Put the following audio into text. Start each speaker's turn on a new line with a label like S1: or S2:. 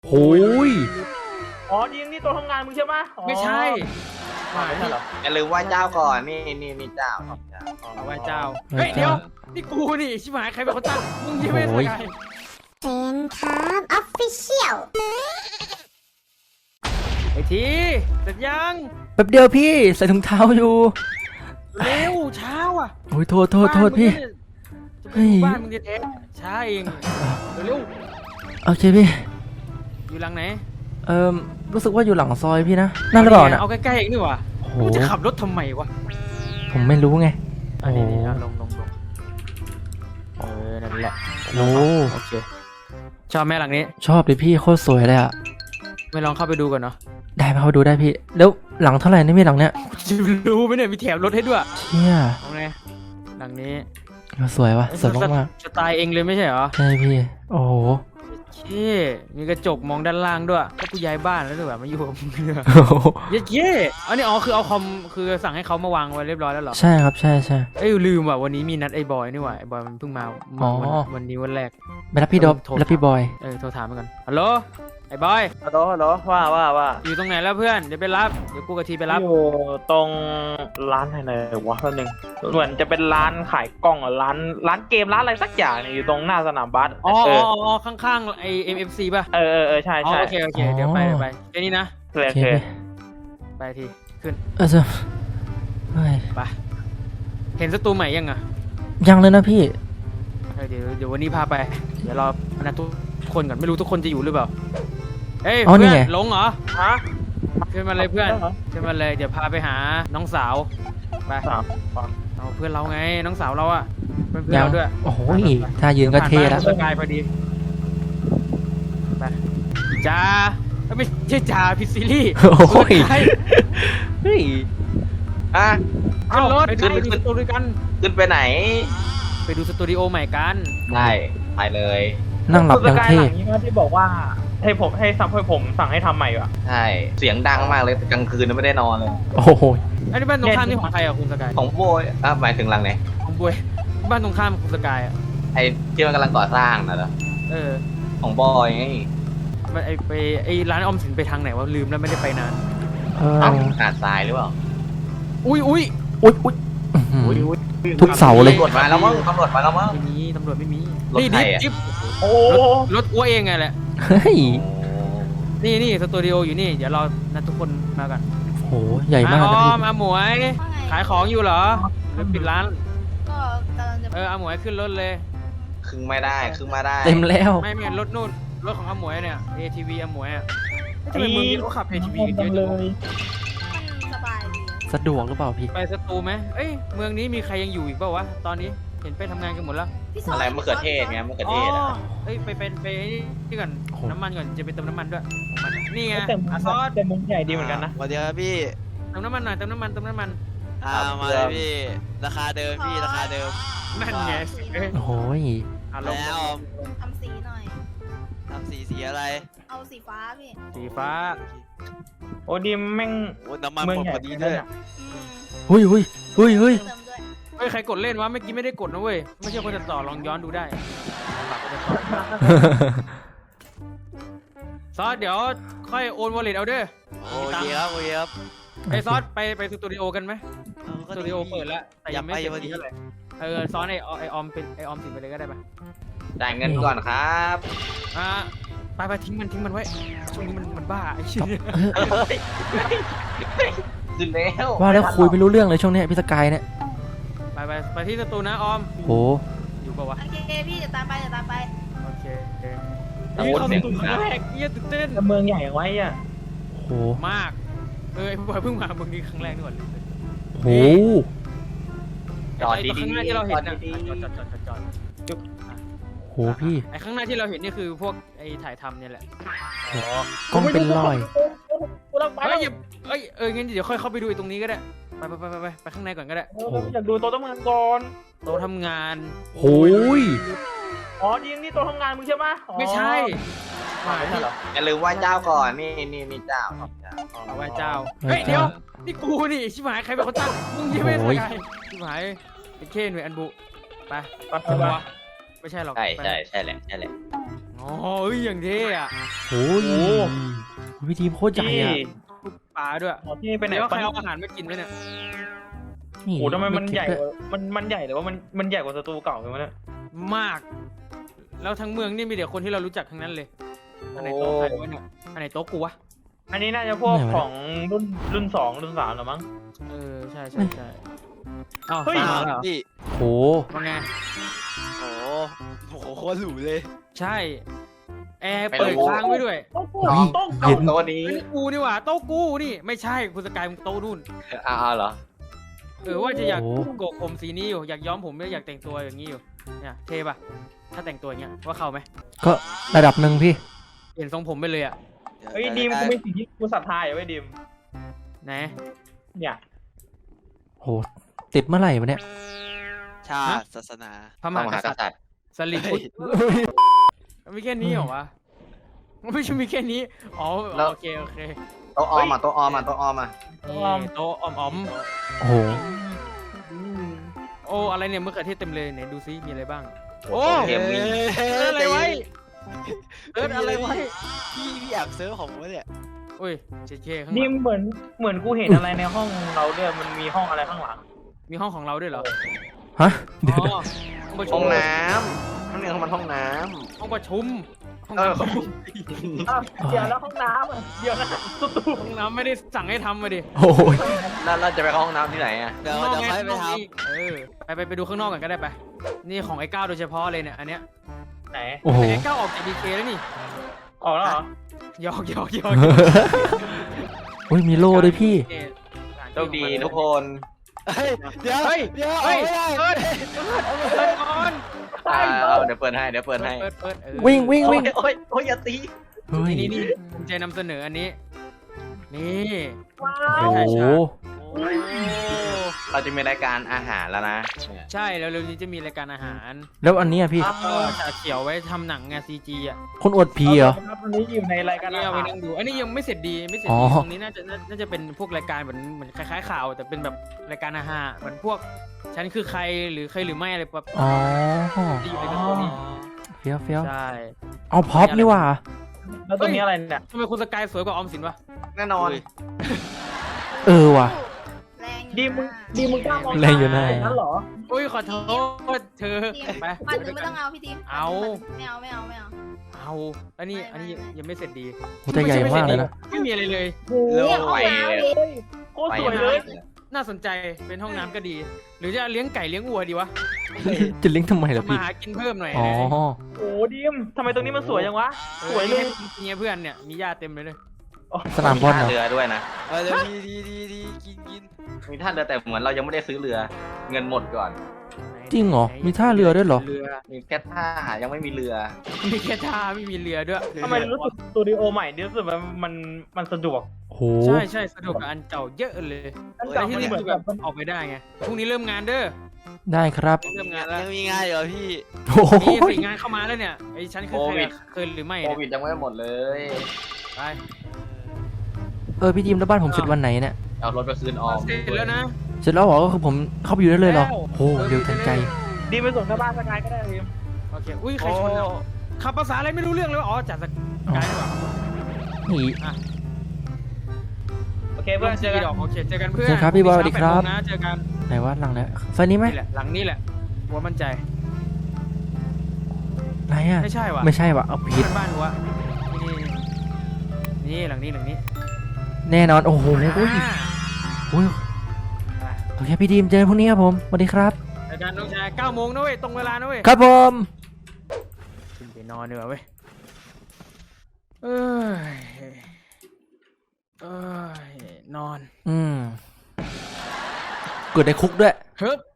S1: โอ้ย
S2: อ๋อยิงนี่ตัวทำงานมึงใช่ไหม
S3: ไม่ใช่
S2: ไม่ใช่เหรอ
S4: อย่าลืมไหว้เจ้าก่อนนี่เจ้า
S3: เอาไว้เจ้าเฮ้ยเดี๋ยวนี่กูนี่ชิบหายใครเป็นคนตั้งมึงใช่ไหมสกาย
S5: เป็นครับออฟฟิเชียล
S3: ไอ้ทีเสร็จยัง
S1: แป๊บเดียวพี่ใส่ถุงเท้าอยู่
S3: เร็วเช้าอ่ะ
S1: โอ้ยโทษพี่ เฮ้ย
S3: บ้านมึงจะเทช้าเองเร็ว
S1: โอเคพี่
S3: อยู่หลังไหน
S1: รู้สึกว่าอยู่หลังซอยพี่นะนั่นหรือเปล่าน่ะ
S3: เอาใกล้ๆเองนี่หว่า
S1: โอ้โห
S3: มึงจะขับรถทำไมวะ
S1: ผมไม่รู้ไง
S3: อันนี้
S1: โอ้โห
S3: ลงนั่นแหละ
S1: โอ้
S3: โอเคชอบแม่หลังนี้
S1: ชอบดิพี่โคตรสวยเลยอ่ะ
S3: ไม่ลองเข้าไปดูก่อนเนาะ
S1: ได้มาเขาดูได้พี่ แล้วหลังเท่าไหร่นี่พี่หลังเนี้ย
S3: จะรู้ไหมเนี่ยมีแถมรถให้ด้วย
S1: เชี่ย
S3: เอาไงหลังนี้
S1: สวยว่ะสวยมาก
S3: สไตล์เองเลยไม่ใช่เหรอ
S1: ๆใช่พี่ โอ้โห
S3: เช่มีกระจกมองด้านล่างด้วยก็กูย้ายบ้านแล้วด้วยแบบมาอยู่กับมึงเนี่ย
S1: โอ้โห
S3: เย้อันนี้คือเอาคอมคือสั่งให้เขามาวางไว้เรียบร้อยแล้วเหรอ
S1: ใช่ครับใช่
S3: เอ้ยลืมว่ะวันนี้มีนัดไอ้บอยนี่หว่าไอ้บอยมันเพิ่งมา
S1: อ๋อ
S3: วันนี้วันแรก
S1: ไปรับพี่ดอบ
S3: โทร
S1: รับพี่บอย
S3: โทรถามมันก่อนฮัลโหลไอ้บอย
S2: ฮัลโหลว่า
S3: อยู่ตรงไหนแล้วเพื่อนเดี๋ยวไปรับเดี๋ยวกูกับทีไปรับ
S2: อยู่ตรงร้านไหนวะแป๊บนึงเหมือนจะเป็นร้านขายกล้องอะร้านเกมร้านอะไรสักอย่างเนี่ยอยู่ตรงหน้าสนามบาส
S3: อ๋อข้างๆไอ้ MFC ป่ะ
S2: เออใช่
S3: อ๋อ
S2: ใช่
S3: โอเคเดี๋ยวไปแค่นี้นะ
S2: โอ
S1: โอ
S2: เค
S1: เค
S3: ไปทีขึ้น
S1: จะเฮ้ย
S3: ไปเห็นศัตรูใหม่ยังอ่ะ
S1: ยังเลยนะพี่
S3: เดี๋ยววันนี้พาไปเดี๋ยวรอนัดทุกคนก่อนไม่รู้ทุกคนจะอยู่หรือเปล่าเฮ้ย
S1: อ๋อนี่
S3: เพื่อน
S1: ไง
S3: หลงเหรอ
S2: ฮะ
S3: ขึ้นมาเลยเพื่อนขึ้นมาเลยเดี๋ยวพาไปหาน้องสาวไป
S2: สาม
S3: เอาเพื่อนเราไงน้องสาวเราอะเพื่อน
S1: ยัง
S3: เราด้วย
S1: โอ้โหถ้ายืนก็เท่แล้ว
S3: ผ่านบ้านสกายพอดีไปจ้าไม่ใช่จ่าพิซซิลี่
S1: โอ้ย
S3: ไป
S1: เฮ้ย
S4: อ่ะ
S3: ขึ้นรถ
S4: ขึ้น
S3: ไปดูสตูดิโอกัน
S4: ขึ้นไปไหน
S3: ไปดูสตูดิโอใหม่กัน
S4: ได้ไปเลย
S1: นั่งหลับยัง
S2: สกาย
S1: เท่
S2: หลังนี้ว่าที่บอกว่าให้ผมสั่งให้ทำใหม่ว่ะ
S4: ใช่เสียงดังมากเลยแต่กลางคืนไม่ได้นอนเลย
S1: โอ้โห
S3: อันนี้บ้านตรงข้ามนี่ของใครอะคุณสกาย
S4: ของโบยหมายถึงหลังไหน
S3: ของบวยบ้านตรงข้ามคุณสกายอะ
S4: ไอ้ที่มันกำลังก่อสร้างนะเหรอ
S3: เออ
S4: ของบอยไง
S3: มันไอร้านออมสินไปทางไหนวะลืมแล้วไม่ได้ไปนาน
S1: เออ
S4: เอ้าหาดทรายหรือเปล่า
S3: อุ้ย
S1: อุ๊ยอื้อหือ ทุกเสาเลย
S4: ตำรวจมาแล้วมั้งตำรวจมาแล้วมั้ง
S3: ไม่มีตำรวจไม่มี
S4: รถ
S3: นี่
S4: ใครอะ
S3: จิ๊บ
S2: โอ้
S3: รถอ้วเองไงแหละ
S1: เฮ้ย
S3: นี่สตูดิโออยู่นี่ เดี๋ยวเรานัดทุกคนมากัน
S1: โหใหญ่มาก
S3: อ
S1: นะ
S3: อ
S1: พี่
S3: มอาหมวย
S5: ว่าไง
S3: ขายของอยู่เหรอหรือปิดร้าน
S5: ก็กำลังจะ
S3: อาหมวยขึ้นรถเลย
S4: ครึ่งไม่ได้ครึ่งมาได้
S1: เต็มแล้ว
S3: ไม่รถนู่น รถของอาหมวยเนี่ย ATV อาหมวยอ่ะทำไมมึงเขาขับ ATV กันเยอะจังวะ
S5: มันสบายดี
S1: สะดวกหรือเปล่าพี่
S3: ไปสตูไหมเอ้ย เมืองนี้มีใครยังอยู่อีกเปล่าวะ ตอนนี้ เห็นไปทำงานกันหมดแล้ว
S5: พี่ซย
S4: อะไรมะเขือเทศไงมะเขือเทศ
S3: อ๋
S4: อะ
S3: อเอ้ย ไปนี่ก่อน
S1: โอ้โห
S3: น้ำมันก่อน จะไปเติมน้ำมันด้วยของมันนี่ไง
S2: แต่
S3: ซอส
S2: แต่มุมใหญ่ดีเหมือนกันนะ
S6: สวัสดีครับพี่
S3: เติมน้ำมันหน่อยเติมน้ำมัน
S6: มาเลยพี่ ราคาเดิมพี่ ราคาเดิม
S3: นั่นไงเอ้ย
S1: โอ้โหย
S3: ลง
S6: แล้ว
S5: ทำสีหน่อย
S6: ทำสีอะไร
S5: เอาสีฟ้าพี่
S3: สีฟ้า
S2: โอ้ดิมแม่ง
S6: โอ้น้ำมัน
S2: เมือง
S6: หมด
S2: ใหญ่
S6: พอดีด้วย
S5: อืม
S1: เฮ้ยเฮ้ย
S5: เติมด้วย
S3: เฮ้ย ใครกดเล่นวะ เมื่อกี้ไม่ได้กดนะเว้ย ไม่ใช่คนจะต่อลองย้อนดูได้ซอสเดี๋ยวค่อยโอนวอลเล็ตเอาเด้อ
S6: โอเคครับ โอเคครับ
S3: ไอซอสไปสตูดิโอกันไหม
S6: เอาก็
S3: สตูดิโอเปิดแล้วแต่ยังไม่
S6: อ
S3: เสร็
S6: ยาก
S3: จ
S6: ไป
S3: ดีเท่าไหร่ซอสไอออมเป็นไอออมสินไปเลยก็ได้ปะ
S4: จ่ายเงินก่อนครับ
S3: ไปทิ้งมันไว้ช่วงนี้มันบ้าไอ้เชี่ย
S4: ขึ้นแล้ว
S1: ว่าแล้วคุยไม่รู้เรื่องเลยช่วงเนี้ยพี่สกายเนี่ย
S3: ไปที่สตูนะออม
S1: โห
S3: อยู่ปะวะ
S5: โอเคพี่เดี๋ยวตามไป
S3: โอเค
S4: ตะโกนเสียง
S3: ครั้งแรกเยี่ยตื่นเต้น
S2: แต่เมืองใหญ่อย่างไว้อ่ะ
S1: โห
S3: มากไอ้บอยเพิ่งมาเมืองนี้ครั้งแรกนี่หว่า
S1: โห
S4: จอด
S3: ไอ้
S4: ดี
S3: ข้างหน้า
S4: ๆ
S3: ที่เรา
S4: จ
S3: เห็
S4: อน ด
S3: นะ
S4: ดี
S3: จอด
S1: โหพี่
S3: ไอ้ข้างหน้าที่เราเห็นนี่คือพวกไอ้ถ่ายทำเนี่ยแหละ
S1: กล้องเป็นรอย
S2: กูต้องไป
S3: เฮ้
S2: แล้
S3: ยว งั้นเดี๋ยวค่อยเข้าไปดูไอ้ตรงนี้ก็ได้ไปข้างในก่อนก็ได้
S2: อยากดูโต๊ะทำงานก่อน
S3: โต๊ะทำงาน
S1: โหย
S2: อ๋อยิงนี่โต๊ะทำงานมึงใช่ไหม
S3: ไม่ใช่
S2: ไม่ใช่เหรอ
S4: อย่าลืมไหว้เจ้าก่อนนี่เจ้า
S3: เอาไว้เจ้าเฮ้ยเดี๋ยวนี่กูนี่ชิบหายใครเป็นคนตั้งมึงใช่ไหมสกายชิบหายเป็นเคนเวยอันบุไป
S2: ไป
S3: ไม่ใช่หรอก
S4: ใช่แหละ
S3: ออ๋อเอ้ยอย่างเท่อะ
S1: โอ้ยพี่ทีมโคตรใหญ่
S2: ที่
S1: อะ
S3: ปลาด้วย
S2: ที่ไปไหน
S3: แล้วใคร
S2: ปะ
S3: เอาอาหารมากินด้วยเนี่ย
S1: นี่
S2: โอ้ทำไมมัน
S1: คิด
S2: ใหญ่
S1: ด้วย
S2: กว่ามันใหญ่หรือว่ามันใหญ่กว่าสตูเก่าไหมเนี่ย
S3: มาก แล้วทั้งเมืองนี่มีแต่คนที่เรารู้จักทั้งนั้นเลยอันไหนโต๊ะใครวะเนี่ยอันไหนโต๊ะกูวะ
S2: อันนี้น่าจะพวกของรุ่น2รุ่น3หรือมั้ง
S3: เออใช่ใช่ใช่อ้าว
S2: เฮ้ย
S3: มาแล้วเหรอ
S6: พี่
S1: โห
S3: ว่าไง
S6: โอ้โหโคตรหรูเลย
S3: ใช่แอร์เปิดค้างไว้ด้วย
S2: โต๊ะกู
S1: เฮ้ย
S2: โต๊ะ
S1: เย็น
S4: ตัวนี้
S3: เป็นกูนี่หว่าโต๊ะกูนี่ไม่ใช่คุณสกายมึงโต๊ะนู่น
S4: เอาเหรอ
S3: ว่าจะอยาก
S1: โอ้
S3: โกกผมสีนี้อยู่อยากย้อมผมไม่อยากแต่งตัวอย่างนี้อยู่เนี่ยเท่ปะถ้าแต่งตัวอย่างเงี้ยว่าเข้าไหม
S1: ก็ระดับหนึ่งพี่
S3: เปลี่ยนทรงผมไปเลยอ่ะ
S2: เฮ้ยดีมกูไม่สิ่งที่กูศรัทธาอยู่ไว้ยดีม
S3: ไหน
S2: เนี่ย
S1: โหติดเมื่อไหร่วะเนี่ย
S6: ชาติศาสนา
S3: พระม
S4: พระ
S3: หาม
S4: หาก ก
S3: ษัตริย์
S4: ษัตริย์
S3: สลิดมีแค่นี้เหรอวะไม่ใช่มีแค่นี้อ๋อโอเคโอเค
S4: โต๊ะออมอ่ะโต๊ะออมอ่ะโต๊ะออมอ่ะ
S3: นี่โต๊ะอ๋อม
S1: โอ้โห
S3: ๆโอ้อะไรเนี่ยมะเขือเทศเต็มเลยไหนดูซิมีอะไรบ้าง
S4: โอ้เกมวิ่ง
S3: เอออะไรไว้เอออะไรไว้
S6: พี่แอบเซิร์ฟของวะเนี่ย
S3: โอ้ยเจ๊ข้างห
S2: ดี
S3: ลั
S2: ม
S3: ง
S2: เหมือนกูเห็นอะไรในห้องเราด้วยมันมีห้องอะไรข้างหลัง
S3: มีห้องของเราด้วยเหรอ
S1: ฮะเดี๋ยว
S3: อ๋อห้องประชุ
S4: ห้อ
S3: ม
S4: งน้ำมันเรียกว่ามันห้องน้
S3: ห้องประชุมห้อง
S4: ำเออ
S3: น้ำ
S2: เดี๋ยวแล้วห้องน้ำอ่ะเดี๋ยวนะสตู
S3: ห้องน้ำไม่ได้สั่งให้ทำมาดิ
S1: โอ้ย
S4: แล้วเราจะไปเข้าห้องน้ำที่ไหนอ่ะ
S6: เดี๋ยว
S3: ข้างนอก
S6: เดี๋ยว
S3: ไง
S6: ค่อยไปท
S3: เออไปดูข้างนอกกันก็ได้ไปนี่ของไอ้ก้าวโดยเฉพาะเลยเนี่ยอันเนี้ย
S2: ไหน
S1: โอ้โห
S3: แต่ไอ้ก้าวออกจากดีเคแล้วนี่
S2: ออกแล้วเหรอ
S3: หยอก
S1: โอ้ยมีโล่ด้วยพี่
S3: นี่
S4: โชคดีทุกคน
S6: ำเฮ้ยเดี๋ยวเดี๋ยว
S3: เฮ้ย
S6: ไม่ได้
S3: เปิดก่อน
S4: เดี๋ยวเปิดให้เดี๋ยวเปิดให้
S3: เปิดเออ
S1: วิ่งวิ่ง
S4: โอ้
S1: วิ่
S4: ย
S1: ง
S4: โอ้ยอย่าตี
S1: เฮ้ย
S3: นี่ภูมิใจนำเสนออันนี้ นี่
S2: ว้า
S1: โอ้
S2: ว
S1: โห
S6: โอ้
S4: เราจะมีรายการอาหารแล้วนะ
S3: ใช่แล้วเร็วนี้จะมีรายการอาหาร
S1: แล้วอันเนี้ยพี่
S3: ก็จะเขียวไว้ทำหนังไงซีจีอ่ะ
S1: คนอวดผีเหรอ
S2: ครับวันนี้อยู่ในรายการ
S3: นี่
S2: อา
S3: เอาไป
S2: หาร
S3: นั่งดู อันนี้ยังไม่เสร็จดีไม่เสร็จ
S1: อ๋
S3: ดี
S1: อ
S3: ตรงนี้น่าจะเป็นพวกรายการเหมือนคล้ายๆข่าว แต่เป็นแบบรายการอาหารเหมือนพวกฉันคือใครหรือใครหรือไม่อะไรแบบ
S1: อ๋อ
S3: ที่อยู่ในกระทรวงนี้
S1: เฟี้ยวเฟี้ยว
S3: ใช่
S1: เอาพ็อปนี่หว่า
S2: แล้วตรงนี้อะไรเนี่ย
S3: ทำไมคุณสกายสวยกว่าออมสินวะ
S4: แน่นอน
S1: เออว่ะ
S5: แรงอ
S2: ดี
S5: ยู่
S2: มึง
S5: นะ
S2: ดีมึงกล้ามอง
S1: แรงอยู่นะ
S2: นั่นเหรอ
S3: อุ้ยขอโทษเธอ
S5: ทีม
S3: ไป
S5: ปันหนึ่งไม่ต้องเอาพี่ทีม
S3: เอา
S5: ไม่เอา
S3: เอาอันนี้ยังไม่เสร็จดี
S1: โหแต่ใหญ่มากเลยนะ
S3: ไม่มีอะไรเลย
S2: โอ้โห
S5: เนี่ยห้องน้ำดิ
S2: โคตรสวยเลย
S3: น่าสนใจเป็นห้องน้ำก็ดี หรือจะเลี้ยงไก่เลี้ยงวัวดีวะ
S1: จะลิงก์ทำไมล่ะ
S3: มา
S1: พี่
S3: หากินเพิ่มหน่อย
S1: อ๋อ
S2: โอ้โหดีมทำไมตรงนี้มันสวยจังวะ สวยเลย
S3: มีเพื่อนเนี่ยมีญาติเต็มเลย
S1: สนามบอลเหรอ
S4: เรือด้วยนะ
S6: มาเดี๋ยวดีกิน
S4: มีท่าเรือแต่เหมือนเรายังไม่ได้ซื้อเรือ เงินหมดก่อน
S1: จริงเหรอมีท่าเรือด้วยเหรอ
S3: เรือ
S4: มีแค่ท่ายังไม่มีเรือ
S3: มีแค่ท่าไม่มีเรือด้วย
S2: ทำไมรู้สึกสตูดิโอใหม่นี่รู้สึกมันสะดวก
S1: โห
S3: ใช่สะดวกกับอันเก่าเยอะเลย
S2: อัน
S3: แต่
S2: เก่า
S3: ที่
S2: มัน
S3: นี่
S2: เหมื
S3: คือ อน แบ
S2: แบบ บ
S3: ออกไปได้ไงพรุ่งนี้เริ่มงานเด้อ
S1: ได้ครับ
S3: เริ่มงานแล้ว
S6: ยังมีงานอยู่เหรอพี่
S1: โอ้โห
S3: มีสี่งานเข้ามาแล้วเนี่ยไอ้ฉันคือใครอะเคยหรือไม่
S4: โค
S3: เนี่ย
S4: วิดยังไม่หมดเลย
S3: ไป
S1: พี่ทีมแล้วบ้านผมเสร็จวันไหนเนี่ย
S4: เอารถไปคืนออม
S3: เสร็จแล้วนะ
S1: เสร็จแล้วเหรอก็คือผมเข้าไปอยู่ได้เลยเหรอโหเร็วทันใจ
S2: ดีมไปส่งที่บ้านสกายก็ได้ดีม
S3: โอเคอุ้ยใครชนเราขับภาษาอะไรไม่รู้เรื่องเลยวะอ๋อจัดสกายดีกว่า
S1: นี่
S2: โอเคเพื่อนเจอกัน
S3: ดอกโอเคเจอกันเพื่อน
S1: เจอกันครับพี่บอยสวัสดีครับ
S3: นะเจอกัน
S1: ไหนวะหลังเนี่ยไฟนี้ไหม
S3: นี่แหละหลังนี้แหละหัวมั่นใจ
S1: ไหนอ่ะ
S3: ไม่ใช่วะ
S1: ไม่ใช่วะเอาผิด
S3: บ้านหัวนี่หลังนี้
S1: แน่นอนโอ้โหโอ้ย
S3: อ่า
S1: โอ้ยโอเคพี่ทีมเจอกันพรุ่งนี้ครับผมสวัสดีครับ
S3: เจอกันน้องชาย9 โมงนะเว้ยตรงเวลานะเว้ย
S1: ครับผม
S3: ขึ้นไปนอนดีกว่าเว้ยเอ้ยนอน
S1: เกิดในคุกด้วย
S3: เฮ้ย